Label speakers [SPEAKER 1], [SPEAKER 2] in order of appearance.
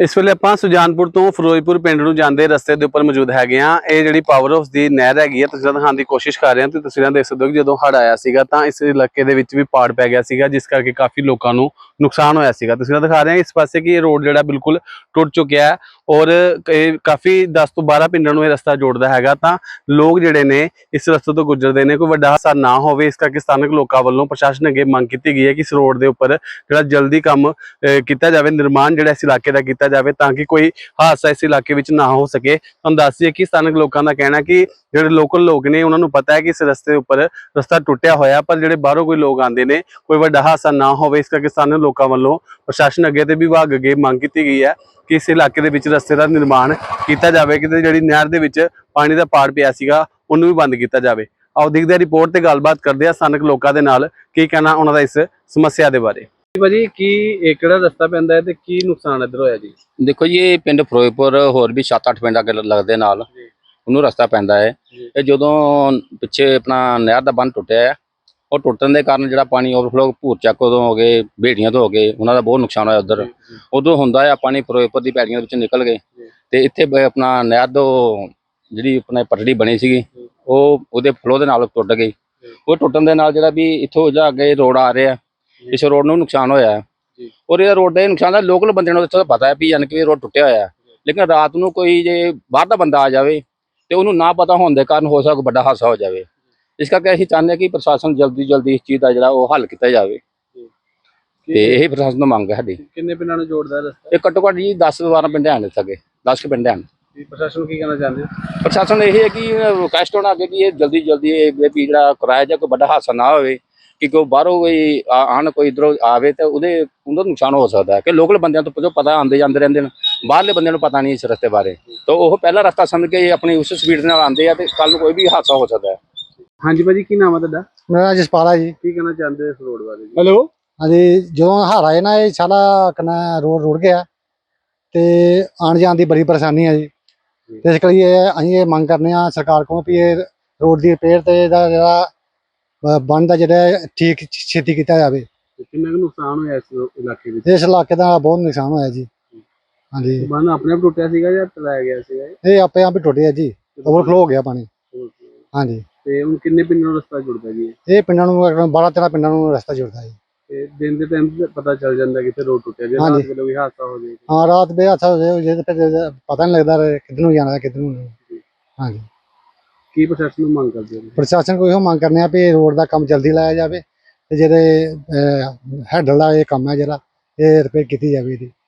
[SPEAKER 1] इस वेले आपां सुजानपुर तो फिरोजपुर पिंड नूं जांदे रस्ते दे उपर मौजूद हैगे आ। ਇਹ ਜਿਹੜੀ ਪਾਵਰ ਹਾਊਸ ਦੀ ਨਹਿਰ ਹੈਗੀ ਆ, ਤਸਵੀਰਾਂ ਦਿਖਾਉਣ ਦੀ ਕੋਸ਼ਿਸ਼ ਕਰ ਰਹੇ ਹਾਂ ਤੇ ਤਸਵੀਰਾਂ ਦੇਖ ਸਕਦੇ ਹੋ ਕਿ ਜਦੋਂ ਹੜ੍ਹ ਆਇਆ ਸੀਗਾ ਤਾਂ ਇਸ ਇਲਾਕੇ ਦੇ ਵਿੱਚ ਵੀ ਪਾੜ ਪੈ ਗਿਆ ਸੀਗਾ, ਜਿਸ ਕਰਕੇ ਕਾਫੀ ਲੋਕਾਂ ਨੂੰ ਨੁਕਸਾਨ ਹੋਇਆ ਸੀਗਾ। ਤਸਵੀਰਾਂ ਦਿਖਾ ਰਹੇ ਹਾਂ ਇਸ ਪਾਸੇ ਕਿ ਇਹ ਰੋਡ ਜਿਹੜਾ ਬਿਲਕੁਲ ਟੁੱਟ ਚੁੱਕਿਆ ਹੈ ਔਰ ਇਹ ਕਾਫੀ 10 ਤੋਂ 12 ਪਿੰਡਾਂ ਨੂੰ ਇਹ ਰਸਤਾ ਜੋੜਦਾ ਹੈਗਾ। ਤਾਂ ਲੋਕ ਜਿਹੜੇ ਨੇ ਇਸ ਰਸਤੇ ਤੋਂ ਗੁਜ਼ਰਦੇ ਨੇ, ਕੋਈ ਵੱਡਾ ਹਾਦਸਾ ਨਾ ਹੋਵੇ ਇਸ ਕਰਕੇ ਸਥਾਨਕ ਲੋਕਾਂ ਵੱਲੋਂ ਪ੍ਰਸ਼ਾਸਨ ਅੱਗੇ ਮੰਗ ਕੀਤੀ ਗਈ ਹੈ ਕਿ ਇਸ ਰੋਡ ਦੇ ਉੱਪਰ ਜਿਹੜਾ ਜਲਦੀ ਕੰਮ ਕੀਤਾ ਜਾਵੇ, ਨਿਰਮਾਣ ਜਿਹੜਾ ਇਸ ਇਲਾਕੇ ਦਾ ਕੀਤਾ ਜਾਵੇ ਤਾਂ ਕਿ ਕੋਈ ਹਾਦਸਾ ਇਸ ਇਲਾਕੇ ਵਿੱਚ ਨਾ ਹੋ ਸਕੇ। ਤੁਹਾਨੂੰ ਦੱਸ ਦਈਏ ਕਿ ਸਥਾਨਕ ਲੋਕਾਂ ਦਾ ਕਹਿਣਾ ਕਿ ਜਿਹੜੇ ਲੋਕਲ ਲੋਕ ਨੇ ਉਹਨਾਂ ਨੂੰ ਪਤਾ ਹੈ ਕਿ ਇਸ ਰਸਤੇ ਉੱਪਰ ਰਸਤਾ ਟੁੱਟਿਆ ਹੋਇਆ, ਪਰ ਜਿਹੜੇ ਬਾਹਰੋਂ ਕੋਈ ਲੋਕ ਆਉਂਦੇ ਨੇ ਕੋਈ ਵੱਡਾ ਹਾਦਸਾ ਨਾ ਹੋਵੇ ਇਸ ਕਰਕੇ ਸਥਾਨਕ ਲੋਕਾਂ ਵੱਲੋਂ ਪ੍ਰਸ਼ਾਸਨ ਅੱਗੇ ਤੇ ਵਿਭਾਗ ਅੱਗੇ ਮੰਗ ਕੀਤੀ ਗਈ ਹੈ ਕਿ ਇਸ ਇਲਾਕੇ ਦੇ ਵਿੱਚ ਰਸਤੇ ਦਾ ਨਿਰਮਾਣ ਕੀਤਾ ਜਾਵੇ, ਕਿ ਜਿਹੜੀ ਨਹਿਰ ਦੇ ਵਿੱਚ ਪਾਣੀ ਦਾ ਪਾੜ ਪਿਆ ਸੀਗਾ ਉਹਨੂੰ ਵੀ ਬੰਦ ਕੀਤਾ ਜਾਵੇ। ਆਓ ਦੇਖਦੇ ਹਾਂ ਰਿਪੋਰਟ ਤੇ ਗੱਲਬਾਤ ਕਰਦੇ ਆ ਸਥਾਨਕ ਲੋਕਾਂ ਦੇ ਨਾਲ ਕੀ ਕਹਿਣਾ ਉਹਨਾਂ ਦਾ ਇਸ ਸਮੱਸਿਆ ਦੇ ਬਾਰੇ। ਭਾਜੀ ਕੀ ਇਹ ਕਿਹੜਾ ਰਸਤਾ ਪੈਂਦਾ ਹੈ ਤੇ ਕੀ ਨੁਕਸਾਨ ਇੱਧਰ ਹੋਇਆ ਜੀ?
[SPEAKER 2] देखो जी पिंड फिरोजपुर होर भी 7-8 पिंड अगे लगते नाल ਉਹਨੂੰ ਰਸਤਾ ਪੈਂਦਾ ਹੈ। ਇਹ ਜਦੋਂ ਪਿੱਛੇ ਆਪਣਾ ਨਹਿਰ ਦਾ ਬੰਨ ਟੁੱਟਿਆ ਹੈ, ਉਹ ਟੁੱਟਣ ਦੇ ਕਾਰਨ ਜਿਹੜਾ ਪਾਣੀ ਓਵਰਫਲੋ ਭੂਰ ਚੱਕ ਤੋਂ ਹੋ ਗਏ, ਭੇੜੀਆਂ ਤੋਂ ਹੋ ਗਏ, ਉਹਨਾਂ ਦਾ ਬਹੁਤ ਨੁਕਸਾਨ ਹੋਇਆ। ਉਧਰ ਉਦੋਂ ਹੁੰਦਾ ਹੈ ਪਾਣੀ ਫਿਰੋਜ਼ਪੁਰ ਦੀ ਭੇੜੀਆਂ ਵਿੱਚ ਨਿਕਲ ਗਏ ਤੇ ਇੱਥੇ ਆਪਣਾ ਨਹਿਰ ਤੋਂ ਜਿਹੜੀ ਆਪਣਾ ਪਟੜੀ ਬਣੀ ਸੀਗੀ ਉਹ ਉਹਦੇ ਫਲੋ ਦੇ ਨਾਲ ਟੁੱਟ ਗਈ। ਉਹ ਟੁੱਟਣ ਦੇ ਨਾਲ ਜਿਹੜਾ ਵੀ ਇੱਥੋਂ ਜਾ ਅੱਗੇ ਰੋਡ ਆ ਰਿਹਾ, ਇਸ ਰੋਡ ਨੂੰ ਨੁਕਸਾਨ ਹੋਇਆ ਔਰ ਇਹ ਰੋਡ ਦਾ ਨੁਕਸਾਨ ਦਾ ਲੋਕਲ ਬੰਦੇ ਨੂੰ ਇੱਥੋਂ ਪਤਾ ਹੈ ਵੀ ਯਾਨੀ ਕਿ ਇਹ ਰੋਡ ਟੁੱਟਿਆ ਹੋਇਆ, ਲੇਕਿਨ ਰਾਤ ਨੂੰ ਕੋਈ ਜੇ ਬਾਹਰ ਦਾ ਬੰਦਾ ਆ ਜਾਵੇ ਤੇ ਉਹਨੂੰ ਨਾ ਪਤਾ ਹੋਣ ਦੇ ਕਾਰਨ ਹੋ ਸਕਦਾ ਵੱਡਾ ਹਾਦਸਾ ਹੋ ਜਾਵੇ। ਇਸ ਕਰਕੇ ਅਸੀਂ ਚਾਹੁੰਦੇ ਹਾਂ ਕਿ ਪ੍ਰਸ਼ਾਸਨ ਜਲਦੀ ਇਸ ਚੀਜ਼ ਦਾ ਜਿਹੜਾ ਉਹ ਹੱਲ ਕੀਤਾ ਜਾਵੇ ਤੇ ਇਹ ਪ੍ਰਸ਼ਾਸਨ ਤੋਂ ਮੰਗ ਹੈ ਸਾਡੀ।
[SPEAKER 1] ਕਿੰਨੇ ਪਿੰਡਾਂ ਨੂੰ ਜੋੜਦਾ ਰਸਤਾ?
[SPEAKER 2] ਇਹ ਘੱਟੋ ਘੱਟ ਜੀ 10-12 ਪਿੰਡ ਹਨ ਇੱਥੇ ਅੱਗੇ, 10 ਪਿੰਡ ਹਨ।
[SPEAKER 1] ਪ੍ਰਸ਼ਾਸਨ ਕੀ ਕਹਿਣਾ ਚਾਹੁੰਦੇ?
[SPEAKER 2] ਪ੍ਰਸ਼ਾਸਨ ਇਹ ਹੈ ਕਿ ਰਿਕੁਐਸਟ ਹੋਣਾ ਅੱਗੇ ਕਿ ਇਹ ਜਲਦੀ ਇਹ ਵੀ ਜਿਹੜਾ ਕਿਰਾਇਆ ਜਾਂ ਕੋਈ ਵੱਡਾ ਹਾਦਸਾ ਨਾ ਹੋਵੇ, ਕਿ ਕੋਈ ਬਾਹਰੋਂ ਕੋਈ ਆਣ ਕੋਈ ਇੱਧਰੋਂ ਆਵੇ ਤਾਂ ਉਹਦਾ ਨੁਕਸਾਨ ਹੋ ਸਕਦਾ ਹੈ। ਕਿ ਲੋਕਲ ਬੰਦਿਆਂ ਤੋਂ ਪਤਾ ਆਉਂਦੇ ਜਾਂਦੇ ਰਹਿੰਦੇ ਨੇ, ਬਾਹਰਲੇ ਬੰਦਿਆਂ ਨੂੰ ਪਤਾ ਨਹੀਂ ਇਸ ਰਸਤੇ ਬਾਰੇ, ਤਾਂ ਉਹ ਪਹਿਲਾ ਰਸਤਾ ਸਮਝ ਕੇ ਆਪਣੀ ਉਸ ਸਪੀਡ ਨਾਲ ਆਉਂਦੇ ਆ ਤੇ ਕੱਲ ਨੂੰ ਕੋਈ ਵੀ ਹਾਦਸਾ ਹੋ ਸਕਦਾ ਹੈ।
[SPEAKER 1] ਹਾਂਜੀ ਭਾਜੀ ਕੀ ਨਾਮ ਹੈ ਤੁਹਾਡਾ?
[SPEAKER 3] ਮੇਰਾ ਜਸਪਾਲ ਹੈ ਜੀ।
[SPEAKER 1] ਕੀ ਕਹਿਣਾ ਚਾਹੁੰਦੇ ਇਸ ਰੋਡ ਬਾਰੇ?
[SPEAKER 3] ਹੈਲੋ ਹਾਂਜੀ, ਜਦੋਂ ਹੜ੍ਹ ਆਏ ਨਾ ਇਹ ਸਾਰਾ ਕਨਾ ਰੋਡ ਰੁੜ ਗਿਆ ਤੇ ਆਉਣ ਜਾਣ ਦੀ ਬੜੀ ਪਰੇਸ਼ਾਨੀ ਹੈ ਜੀ। ਤੇ ਇਸ ਲਈ ਅਸੀਂ ਇਹ ਮੰਗ ਕਰਨੇ ਆ ਸਰਕਾਰ ਕੋਲੋਂ ਵੀ ਇਹ ਰੋਡ ਦੀ ਰਿਪੇਅਰ ਤੇ ਇਹਦਾ ਜਿਹੜਾ ਬੰਦ ਦਾ ਜਿਹੜਾ ਠੀਕ ਛੇਤੀ ਕੀਤਾ ਜਾਵੇ।
[SPEAKER 1] ਕਿੰਨਾ ਕੁ ਨੁਕਸਾਨ ਹੋਇਆ ਇਸ ਇਲਾਕੇ ਵਿੱਚ?
[SPEAKER 3] ਇਸ ਇਲਾਕੇ ਦਾ ਬਹੁਤ ਨੁਕਸਾਨ ਹੋਇਆ ਜੀ। ਹਾਂਜੀ,
[SPEAKER 1] ਬੰਨ ਆਪਣੇ ਆਪ ਟੁੱਟਿਆ ਸੀਗਾ ਜਾਂ ਟਲਾਇਆ ਗਿਆ ਸੀਗਾ?
[SPEAKER 3] ਇਹ ਆਪੇ ਆਪ ਹੀ ਟੁੱਟ ਗਿਆ ਜੀ, ਓਵਰਫਲੋ ਹੋ ਗਿਆ ਪਾਣੀ। ਹਾਂਜੀ,
[SPEAKER 1] ਤੇ ਹੁਣ ਕਿੰਨੇ ਪਿੰਡਾਂ ਨੂੰ ਰਸਤਾ ਜੁੜਦਾ ਜੀ?
[SPEAKER 3] ਇਹ ਪਿੰਡਾਂ ਨੂੰ 12-13 ਪਿੰਡਾਂ ਨੂੰ ਰਸਤਾ ਜੁੜਦਾ ਜੀ।
[SPEAKER 1] ਤੇ ਦਿਨ ਦੇ ਟਾਈਮ ਤੇ ਪਤਾ ਚੱਲ ਜਾਂਦਾ ਕਿੱਥੇ ਰੋਡ ਟੁੱਟਿਆ, ਜੇ ਰਾਤ ਵੇਲੇ ਵੀ ਹਾਦਸਾ ਹੋ ਜਾਏ?
[SPEAKER 3] ਹਾਂ, ਰਾਤ ਬੇ ਹਾਦਸਾ ਹੋ ਜਾਏ ਜੇ ਫਿਰ ਪਤਾ ਨਹੀਂ ਲੱਗਦਾ ਕਿੱਧਰ ਨੂੰ ਜਾਣਾ ਕਿੱਧਰ ਨੂੰ ਨਹੀਂ। ਹਾਂਜੀ,
[SPEAKER 1] ਕੀ ਪ੍ਰਸ਼ਾਸਨ ਨੂੰ ਮੰਗ ਕਰਦੇ ਹੋ?
[SPEAKER 3] ਪ੍ਰਸ਼ਾਸਨ ਕੋਲ ਇਹੋ ਮੰਗ ਕਰਨੇ ਆ ਵੀ ਰੋਡ ਦਾ ਕੰਮ ਜਲਦੀ ਲਾਇਆ ਜਾਵੇ ਤੇ ਜਿਹੜੇ ਹੈਡਲ ਦਾ ਇਹ ਕੰਮ ਹੈ ਜਿਹੜਾ ਇਹ ਰਿਪੇਅਰ ਕੀਤੀ ਜਾਵੇ ਇਹਦੀ।